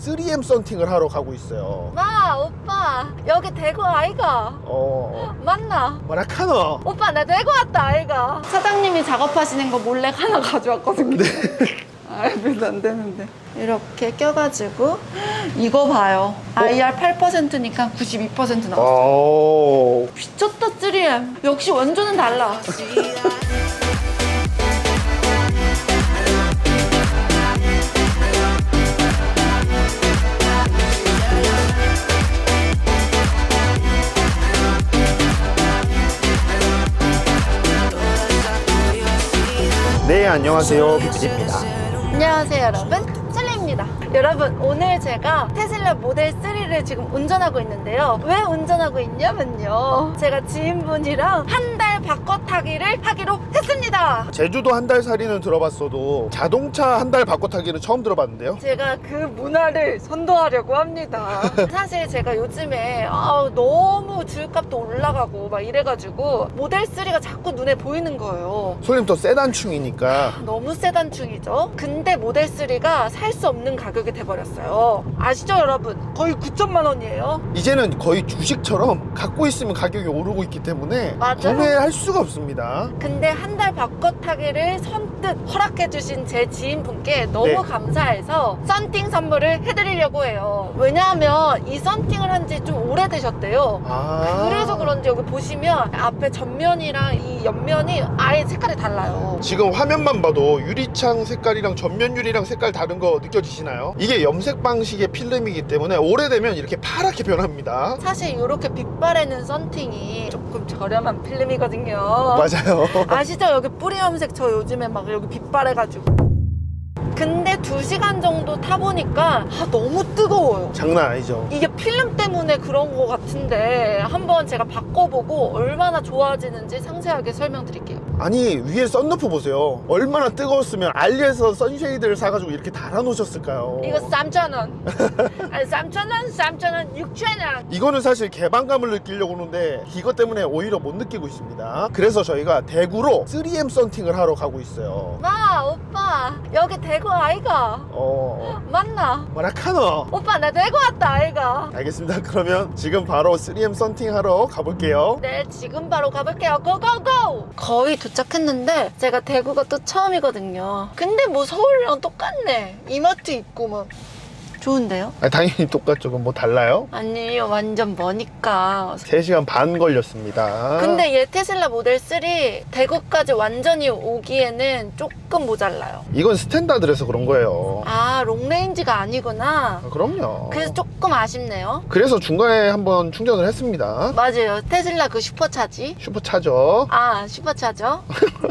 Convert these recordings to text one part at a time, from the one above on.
3M 썬팅을 하러 가고 있어요. 마 오빠 여기 대구 아이가? 맞나? 뭐라카노? 오빠 나 대구 왔다 아이가. 사장님이 작업하시는 거 몰래 하나 가져왔거든요. 알면 안 되는데. 이렇게 껴가지고 이거 봐요. IR 8%니까 92% 나왔어. 미쳤다 3M. 역시 원조는 달라. 네, 안녕하세요. 빅지입니다. 안녕하세요 여러분, 찰리입니다. 여러분 오늘 제가 테슬라 모델 3를 지금 운전하고 있는데요. 왜 운전하고 있냐면요, 제가 지인분이랑 한 달 바꿔 타기를 하기로 했습니다. 제주도 한 달 살이는 들어봤어도 자동차 한 달 바꿔 타기는 처음 들어봤는데요. 제가 그 문화를 선도하려고 합니다. 사실 제가 요즘에 너무 주유값도 올라가고 막 이래가지고 모델 3가 자꾸 눈에 보이는 거예요. 솔님 세단충이니까. 너무 세단충이죠. 근데 모델 3가 살 수 없는 가격이 돼버렸어요. 아시죠 여러분? 거의 9천만 원이에요. 이제는 거의 주식처럼 갖고 있으면 가격이 오르고 있기 때문에 맞아요. 구매할 수가 없습니다. 근데 한 달 바꿔 타기를 선뜻 허락해주신 제 지인분께 너무 네. 감사해서 썬팅 선물을 해드리려고 해요. 왜냐하면 이 썬팅을 한 지 좀 오래되셨대요. 그래서 그런지 여기 보시면 앞에 전면이랑 이 옆면이 아예 색깔이 달라요. 지금 화면만 봐도 유리창 색깔이랑 전면 유리랑 색깔 다른 거 느껴지시나요? 이게 염색 방식의 필름이기 때문에 오래되면 이렇게 파랗게 변합니다. 사실 이렇게 빛바래는 썬팅이 조금 저렴한 필름이거든요. 맞아요. 아시죠? 여기 뿌리 염색 저 요즘에 막 여기 빛바래가지고. 근데 2시간 정도 타보니까 너무 뜨거워요. 장난 아니죠. 이게 필름 때문에 그런 거 같은데 한번 제가 바꿔보고 얼마나 좋아지는지 상세하게 설명드릴게요. 아니, 위에 썬루프 보세요. 얼마나 뜨거웠으면 알리에서 선쉐이드를 사가지고 이렇게 달아놓으셨을까요? 이거 3,000원. 아니 3,000원, 3,000원, 6,000원. 이거는 사실 개방감을 느끼려고 하는데 이것 때문에 오히려 못 느끼고 있습니다. 그래서 저희가 대구로 3M 썬팅을 하러 가고 있어요. 마 오빠 여기 대구 아이가? 맞나? 뭐라카노? 오빠 나 대구 왔다 아이가. 알겠습니다. 그러면 지금 바로 3M 썬팅 하러 가볼게요. 네, 지금 바로 가볼게요. 고고고! 거의 도착했는데 제가 대구가 또 처음이거든요. 근데 뭐 서울이랑 똑같네. 이마트 있고 막. 좋은데요? 당연히 똑같죠. 그럼 뭐 달라요? 아니 완전 머니까. 3시간 반 걸렸습니다. 근데 얘 테슬라 모델 3 대구까지 완전히 오기에는 조금 모자라요. 이건 스탠다드라서 그런 거예요. 롱레인지가 아니구나. 그럼요. 그래서 조금 아쉽네요. 그래서 중간에 한번 충전을 했습니다. 맞아요. 테슬라 그 슈퍼차지. 슈퍼차저. 슈퍼차죠.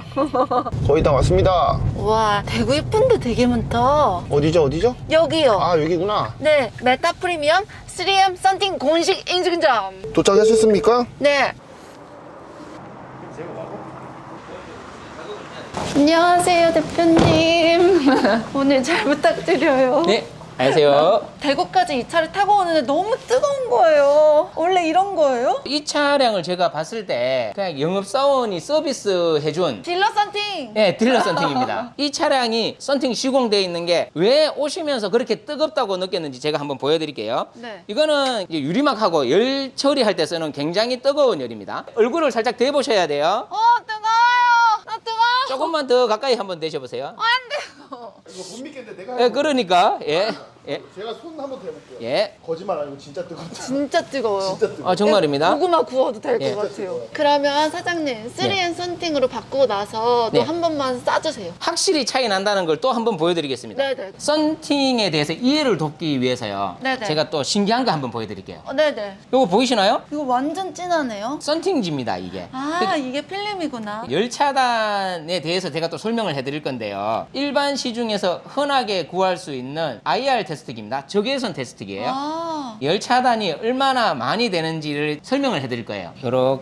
거의 다 왔습니다. 와, 대구 예쁜데 되게 많다. 어디죠? 여기요. 여기구나. 네, 메타 프리미엄 3M 썬팅 공식 인증점. 도착하셨습니까? 네. 안녕하세요, 대표님. 오늘 잘 부탁드려요. 네, 안녕하세요. 대구까지 이 차를 타고 오는데 너무 뜨거운 거예요. 원래 이런 거예요? 이 차량을 제가 봤을 때 그냥 영업사원이 서비스 해준 딜러 썬팅. 네, 딜러 썬팅입니다. 이 차량이 썬팅 시공되어 있는 게 왜 오시면서 그렇게 뜨겁다고 느꼈는지 제가 한번 보여드릴게요. 네. 이거는 이제 유리막하고 열 처리할 때 쓰는 굉장히 뜨거운 열입니다. 얼굴을 살짝 대보셔야 돼요. 뜨거워요. 나 뜨거워. 조금만 더 가까이 한번 대셔보세요. 안 돼요. 이거 못 믿겠는데 내가. 네, 그러니까 예. 제가 손 한번 대볼게요. 예. 거짓말 아니고 진짜 뜨겁다. 진짜 뜨거워요. 진짜 뜨거워. 정말입니다. 고구마 구워도 될 것 예. 같아요. 그러면 사장님 3M 썬팅으로 바꾸고 나서 네. 또 한 번만 싸주세요. 확실히 차이 난다는 걸 또 한번 보여드리겠습니다. 네네. 썬팅에 대해서 이해를 돕기 위해서요. 네네. 제가 또 신기한 거 한번 보여드릴게요. 네네. 이거 보이시나요? 이거 완전 진하네요. 썬팅지입니다, 이게. 이게 필름이구나. 열 차단에 대해서 제가 또 설명을 해드릴 건데요. 일반 시중에서 흔하게 구할 수 있는 IR 테스트기입니다. 적외선 테스트기예요. 열 차단이 얼마나 많이 되는지를 설명을 해드릴 거예요. 이렇게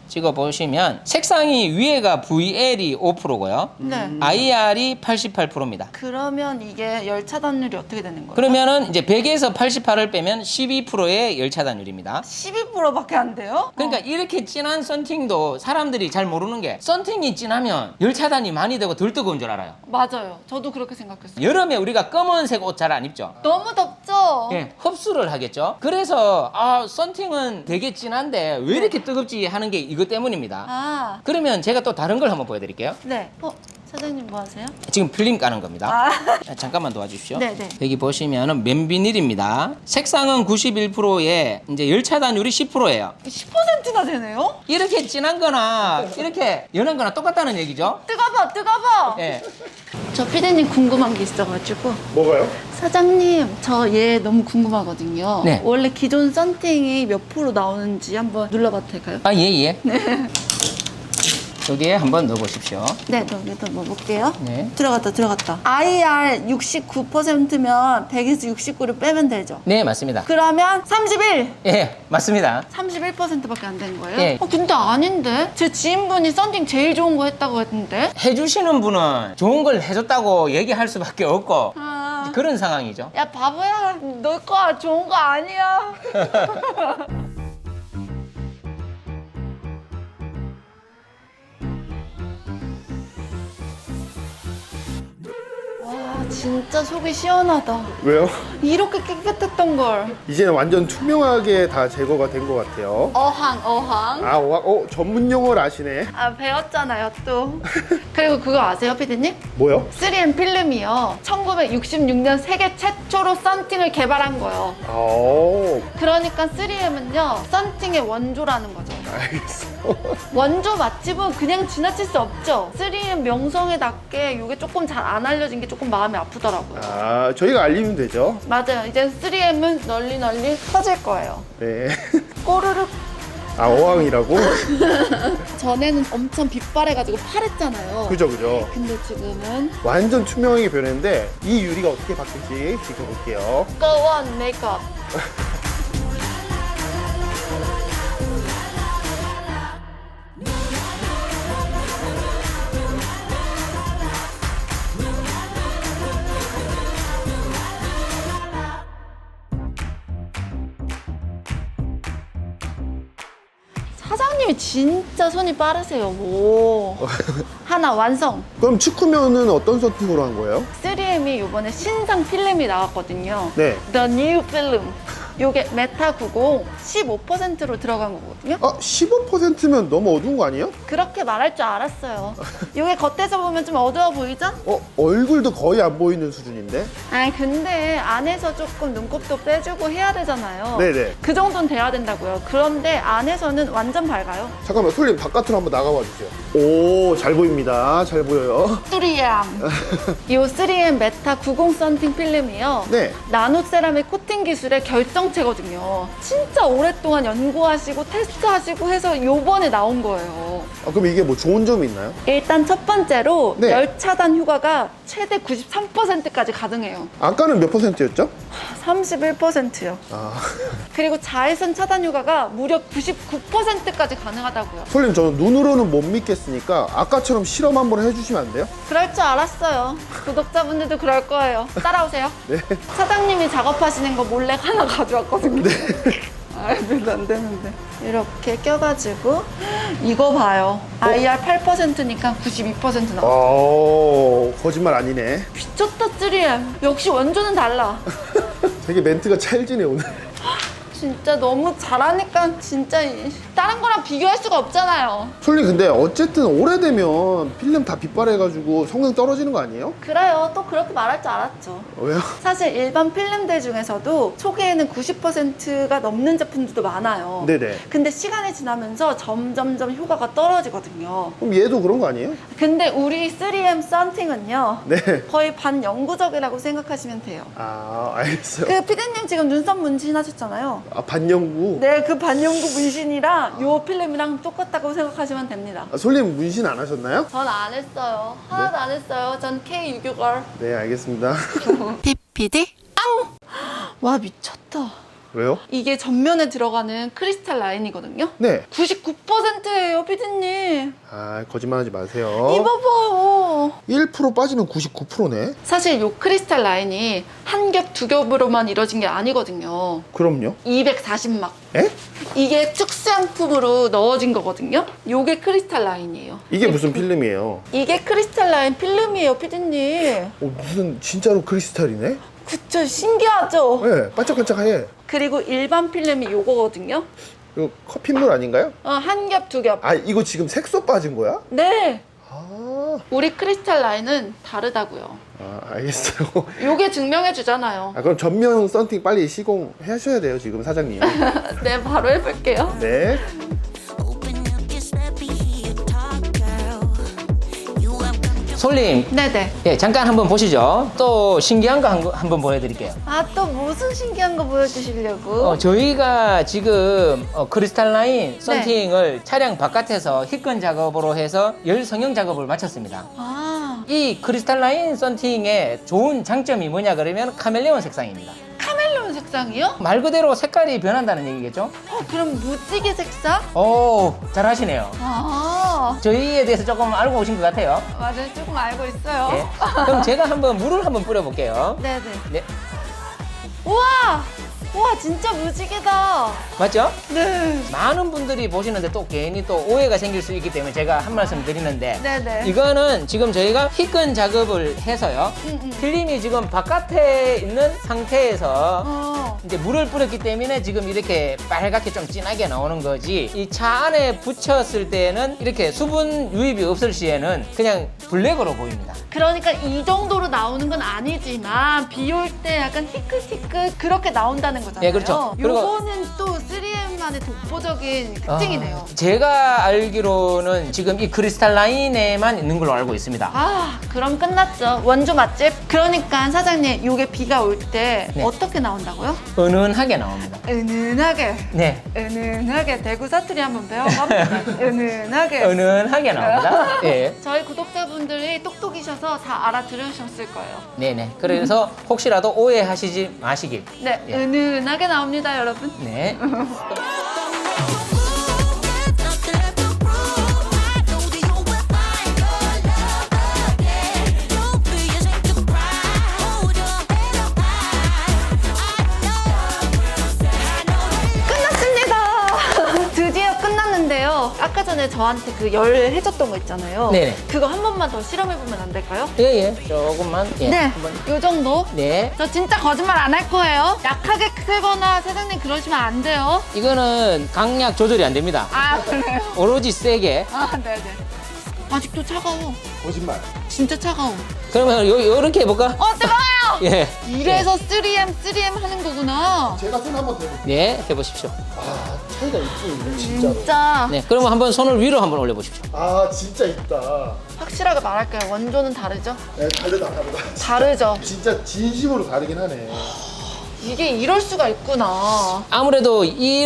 찍어보시면 색상이 위에가 VL이 5%고요. 네. IR이 88%입니다. 그러면 이게 열 차단율이 어떻게 되는 거예요? 그러면은 이제 100에서 88을 빼면 12%의 열 차단율입니다. 12%밖에 안 돼요? 그러니까 이렇게 진한 썬팅도 사람들이 잘 모르는 게 썬팅이 진하면 열 차단이 많이 되고 덜 뜨거운 줄 알아요. 맞아요. 저도 그렇게 생각했어요. 여름에 우리가 검은색 옷 잘 안 입죠? 너무 덥죠? 예, 흡수를 하겠죠. 그래서 썬팅은 되게 진한데 왜 이렇게 뜨겁지 하는 게 이것 때문입니다. 아, 그러면 제가 또 다른 걸 한번 보여드릴게요. 네. 사장님 뭐 하세요? 지금 필름 까는 겁니다. 아, 잠깐만 도와주십시오. 네네. 여기 보시면은 맨비닐입니다. 색상은 91%에 이제 열 차단율이 10%예요. 10%나 되네요? 이렇게 진한 거나 이렇게 연한 거나 똑같다는 얘기죠. 뜨거워, 뜨거워! 예. 저 피디님 궁금한 게 있어가지고. 뭐가요? 사장님, 저 얘 너무 궁금하거든요. 네. 원래 기존 썬팅이 몇 프로 나오는지 한번 눌러봐도 될까요? 아, 예, 예. 네. 여기에 한번 넣어보십시오. 네, 여기다 넣어볼게요. 네. 들어갔다. IR 69%면 100에서 69를 빼면 되죠? 네, 맞습니다. 그러면 31! 예, 맞습니다. 31%밖에 안 된 거예요? 예. 근데 아닌데? 제 지인분이 썬팅 제일 좋은 거 했다고 했는데? 해주시는 분은 좋은 걸 해줬다고 얘기할 수밖에 없고 아... 그런 상황이죠. 야, 바보야. 너 거 좋은 거 아니야. 와, 진짜 속이 시원하다. 왜요? 이렇게 깨끗했던 걸. 이제는 완전 투명하게 다 제거가 된 것 같아요. 어항. 전문 용어를 아시네. 아, 배웠잖아요, 또. 그리고 그거 아세요, 피디님? 뭐요? 3M 필름이요. 1966년 세계 최초로 썬팅을 개발한 거예요. 그러니까 3M은요, 썬팅의 원조라는 거죠. 알겠어. 원조 맛집은 그냥 지나칠 수 없죠. 3M 명성에 닿게 이게 조금 잘 안 알려진 게 조금 마음이 아프더라고요. 저희가 알리면 되죠. 맞아요. 이제 3M은 널리 퍼질 거예요. 네. 꼬르륵. 어항이라고? 전에는 엄청 빛바래가지고 파랬잖아요. 그죠. 근데 지금은 완전 투명하게 변했는데 이 유리가 어떻게 바뀔지 지켜볼게요. Go on 메이크업. 사장님이 진짜 손이 빠르세요. 오. 하나 완성. 그럼 축구면은 어떤 서팅으로 한 거예요? 3M이 이번에 신상 필름이 나왔거든요. 네. The New Film. 요게 메타 90 15%로 들어간 거거든요. 15%면 너무 어두운 거 아니에요? 그렇게 말할 줄 알았어요. 요게 겉에서 보면 좀 어두워 보이죠? 얼굴도 거의 안 보이는 수준인데? 아니 근데 안에서 조금 눈곱도 빼주고 해야 되잖아요. 네네. 그 정도는 돼야 된다고요. 그런데 안에서는 완전 밝아요. 잠깐만, 솔님 바깥으로 한번 나가봐 주세요. 오, 잘 보입니다. 잘 보여요. 3M. 요 3M 메타 90 썬팅 필름이요. 네. 나노 세라믹 코팅 기술의 결정체거든요. 진짜 오랫동안 연구하시고 테스트하시고 해서 요번에 나온 거예요. 그럼 이게 뭐 좋은 점이 있나요? 일단 첫 번째로 네. 열 차단 효과가 최대 93%까지 가능해요. 아까는 몇 %였죠? 31%요. 아, 그리고 자외선 차단 효과가 무려 99%까지 가능하다고요. 솔님 저는 눈으로는 못 믿겠으니까 아까처럼 실험 한번 해주시면 안 돼요? 그럴 줄 알았어요. 구독자분들도 그럴 거예요. 따라오세요. 네. 사장님이 작업하시는 거 몰래 하나 가져왔거든요. 아, 별로 안 되는데. 이렇게 껴가지고 이거 봐요. IR 8%니까 92% 나와. 거짓말 아니네. 미쳤다 3M. 역시 원조는 달라. 되게 멘트가 찰지네 오늘. 진짜 너무 잘하니까 진짜 다른 거랑 비교할 수가 없잖아요. 솔님 근데 어쨌든 오래되면 필름 다 빛발해가지고 성능 떨어지는 거 아니에요? 그래요. 또 그렇게 말할 줄 알았죠. 왜요? 사실 일반 필름들 중에서도 초기에는 90%가 넘는 제품들도 많아요. 네네. 근데 시간이 지나면서 점점점 효과가 떨어지거든요. 그럼 얘도 그런 거 아니에요? 근데 우리 3M 썬팅은요. 네. 거의 반영구적이라고 생각하시면 돼요. 알겠어요. 그 피디님 지금 눈썹 문신하셨잖아요. 반영구. 네, 그 반영구 문신이랑 요 필름이랑 똑같다고 생각하시면 됩니다. 솔님 문신 안 하셨나요? 전 안 했어요. 하나도 안 했어요. 전 K 유교걸. 네, 알겠습니다. PPD 앙! 와 미쳤다. 왜요? 이게 전면에 들어가는 크리스탈 라인이거든요. 네. 99%예요, 피디님. 아, 거짓말하지 마세요. 이거 봐요. 1% 빠지면 99%네. 사실 이 크리스탈 라인이 한 겹, 두 겹으로만 이루어진 게 아니거든요. 그럼요. 240막. 에? 이게 특수양품으로 넣어진 거거든요. 요게 크리스탈 라인이에요. 이게 무슨 필름이에요? 이게 크리스탈 라인 필름이에요, 피디님. 무슨 진짜로 크리스탈이네? 그쵸, 신기하죠? 네, 반짝반짝해. 그리고 일반 필름이 요거거든요. 이거 커피물 아닌가요? 한 겹, 두 겹. 아, 이거 지금 색소 빠진 거야? 네. 아, 우리 크리스탈 라인은 다르다고요. 알겠어요. 요게 증명해 주잖아요. 아, 그럼 전면 썬팅 빨리 시공하셔야 돼요, 지금 사장님. 네, 바로 해볼게요. 네. 솔님, 네네. 예, 잠깐 한번 보시죠. 또 신기한 거 한번 보여드릴게요. 아, 또 무슨 신기한 거 보여주시려고? 저희가 지금 크리스탈 라인 썬팅을 차량 바깥에서 히건 작업으로 해서 열 성형 작업을 마쳤습니다. 아, 이 크리스탈 라인 썬팅의 좋은 장점이 뭐냐 그러면 카멜레온 색상입니다. 카멜레온 색상이요? 말 그대로 색깔이 변한다는 얘기겠죠? 그럼 무지개 색상? 오, 잘하시네요. 아, 저희에 대해서 조금 알고 오신 것 같아요. 맞아요. 조금 알고 있어요. 예. 그럼 제가 물을 한번 뿌려볼게요. 네네. 네, 우와! 우와, 진짜 무지개다. 맞죠? 네. 많은 분들이 보시는데 또 괜히 또 오해가 생길 수 있기 때문에 제가 한 말씀 드리는데 네네. 이거는 지금 저희가 히건 작업을 해서요. 필름이 지금 바깥에 있는 상태에서 이제 물을 뿌렸기 때문에 지금 이렇게 빨갛게 좀 진하게 나오는 거지, 이 차 안에 붙였을 때는 이렇게 수분 유입이 없을 시에는 그냥 블랙으로 보입니다. 그러니까 이 정도로 나오는 건 아니지만 비 올 때 약간 희끗희끗 그렇게 나온다는 거잖아요. 네, 그렇죠. 그리고- 요거는 또 3M만의 독보적인 특징이네요. 제가 알기로는 지금 이 크리스탈 라인에만 있는 걸로 알고 있습니다. 아, 그럼 끝났죠. 원조 맛집. 그러니까 사장님, 요게 비가 올 때 네. 어떻게 나온다고요? 은은하게 나옵니다. 은은하게. 네, 은은하게. 대구 사투리 한번 배워봅니다. 은은하게. 은은하게 나옵니다. 예. 저희 구독자분들이 똑똑이셔서 다 알아들으셨을 거예요. 네네. 그래서 혹시라도 오해하시지 마시길. 네, 예. 은은하게 나옵니다, 여러분. 네. 끝났습니다. 드디어 끝났는데요. 아까 전에 저한테 그 열 해줬던 거 있잖아요. 네네. 그거 한 번만 더 실험해보면 안 될까요? 예, 예. 조금만. 예. 네, 한번. 요 정도. 네. 저 진짜 거짓말 안 할 거예요. 약하게 크거나 사장님 그러시면 안 돼요. 이거는 강약 조절이 안 됩니다. 아, 그래요? 오로지 세게. 아, 네네. 아직도 차가워. 거짓말. 진짜 차가워. 그러면 요렇게 해볼까? 뜨거워요! 예. 이래서 3M 하는 거구나. 제가 손 한번 대볼게요. 네, 해보십시오. 아, 차이가 있군요, 진짜로. 진짜 네. 그러면 한번 손을 위로 한번 올려보십시오. 아, 진짜 있다. 확실하게 말할게요. 원조는 다르죠? 네, 다르다. 다르죠. 진짜 진심으로 다르긴 하네. 이게 이럴 수가 있구나. 아무래도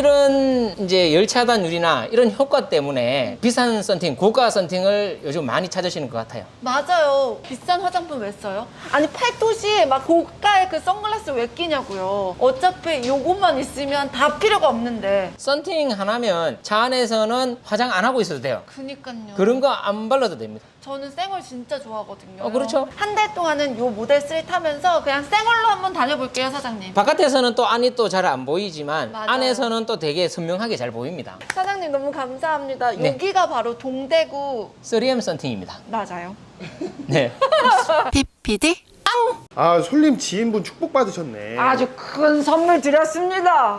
이런 이제 열차단율이나 이런 효과 때문에 비싼 썬팅, 고가 썬팅을 요즘 많이 찾으시는 것 같아요. 맞아요. 비싼 화장품 왜 써요? 아니 팔토시 막 고가의 그 선글라스 왜 끼냐고요. 어차피 요것만 있으면 다 필요가 없는데. 썬팅 하나면 차 안에서는 화장 안 하고 있어도 돼요. 그니까요. 그런 거 안 발라도 됩니다. 저는 생얼 진짜 좋아하거든요. 그렇죠. 한 달 동안은 요 모델 3 타면서 그냥 생얼로 한번 다녀볼게요, 사장님. 바깥에서는 또 안이 또 잘 안 보이지만 맞아요. 안에서는 또 되게 선명하게 잘 보입니다. 사장님 너무 감사합니다. 네. 여기가 바로 동대구 3M 썬팅입니다. 맞아요. 네. PPD 아, 솔님 지인분 축복받으셨네. 아주 큰 선물 드렸습니다.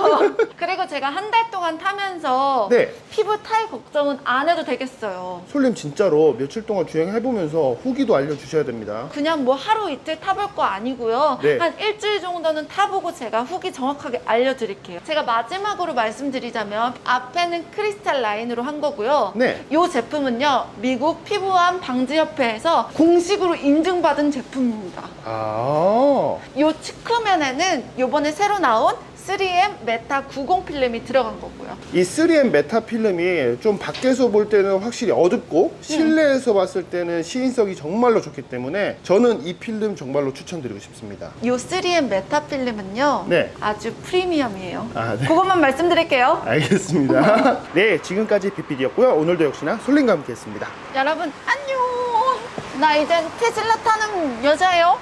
그리고 제가 한 달 동안 타면서 네. 피부 탈 걱정은 안 해도 되겠어요. 솔님 진짜로 며칠 동안 주행해보면서 후기도 알려주셔야 됩니다. 그냥 뭐 하루 이틀 타볼 거 아니고요. 네. 한 일주일 정도는 타보고 제가 후기 정확하게 알려드릴게요. 제가 마지막으로 말씀드리자면 앞에는 크리스탈 라인으로 한 거고요. 네. 이 제품은요. 미국 피부암 방지협회에서 공식으로 인증받은 제품입니다. 아, 이 측면에는 요번에 새로 나온 3M 메타 90 필름이 들어간 거고요. 이 3M 메타 필름이 좀 밖에서 볼 때는 확실히 어둡고 실내에서 봤을 때는 시인성이 정말로 좋기 때문에 저는 이 필름 정말로 추천드리고 싶습니다. 이 3M 메타 필름은요. 네. 아주 프리미엄이에요. 아, 네. 그것만 말씀드릴게요. 알겠습니다. 네, 지금까지 빅PD였고요. 오늘도 역시나 솔님과 함께 했습니다. 여러분 안녕. 나 이젠 테슬라 타는 여자예요.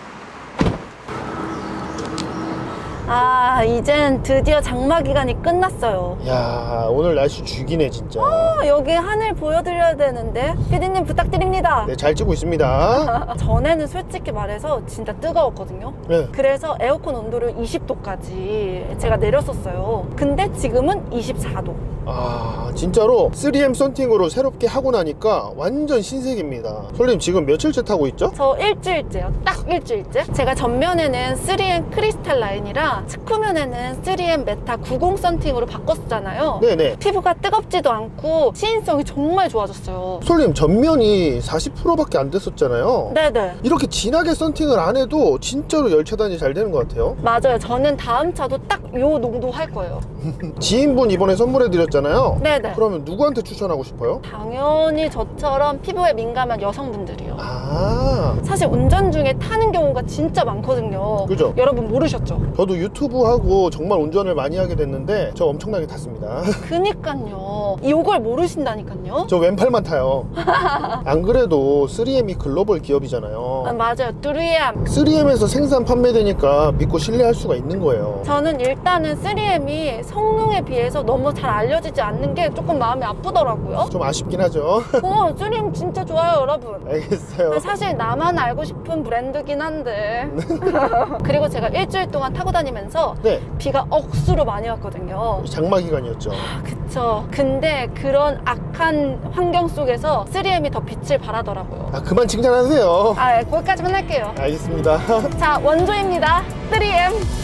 아, 이젠 드디어 장마 기간이 끝났어요. 야, 오늘 날씨 죽이네 진짜. 여기 하늘 보여드려야 되는데 피디님 부탁드립니다. 네, 잘 찍고 있습니다. 전에는 솔직히 말해서 진짜 뜨거웠거든요. 네. 그래서 에어컨 온도를 20도까지 제가 내렸었어요. 근데 지금은 24도. 아, 진짜로 3M 썬팅으로 새롭게 하고 나니까 완전 신세계입니다. 솔님 지금 며칠째 타고 있죠? 저 일주일째요. 딱 일주일째. 제가 전면에는 3M 크리스탈 라인이랑 측후면에는 3M 메타 90 썬팅으로 바꿨었잖아요. 네네. 피부가 뜨겁지도 않고 시인성이 정말 좋아졌어요. 솔님 전면이 40%밖에 안 됐었잖아요. 네네. 이렇게 진하게 썬팅을 안 해도 진짜로 열 차단이 잘 되는 것 같아요. 맞아요. 저는 다음 차도 딱 요 농도 할 거예요. 지인분 이번에 선물해드렸잖아요. 네네. 그러면 누구한테 추천하고 싶어요? 당연히 저처럼 피부에 민감한 여성분들이요. 아, 사실 운전 중에 타는 경우가 진짜 많거든요. 그죠? 여러분 모르셨죠? 저도 유튜브 하고 정말 운전을 많이 하게 됐는데 저 엄청나게 탔습니다. 그니까요. 이걸 모르신다니까요. 저 왼팔만 타요. 안 그래도 3M이 글로벌 기업이잖아요. 맞아요. 3M. 3M에서 생산 판매되니까 믿고 신뢰할 수가 있는 거예요. 저는 일단은 3M이 성능에 비해서 너무 잘 알려지지 않는 게 조금 마음이 아프더라고요. 좀 아쉽긴 하죠. 3M 진짜 좋아요, 여러분. 알겠어요. 사실 나만 알고 싶은 브랜드긴 한데. 그리고 제가 일주일 동안 타고 다니면서 네, 비가 억수로 많이 왔거든요. 장마 기간이었죠. 그쵸. 근데 그런 악한 환경 속에서 3M이 더 빛을 발하더라고요. 아, 그만 칭찬하세요. 아, 거기까지만 할게요. 알겠습니다. 자, 원조입니다. 3M.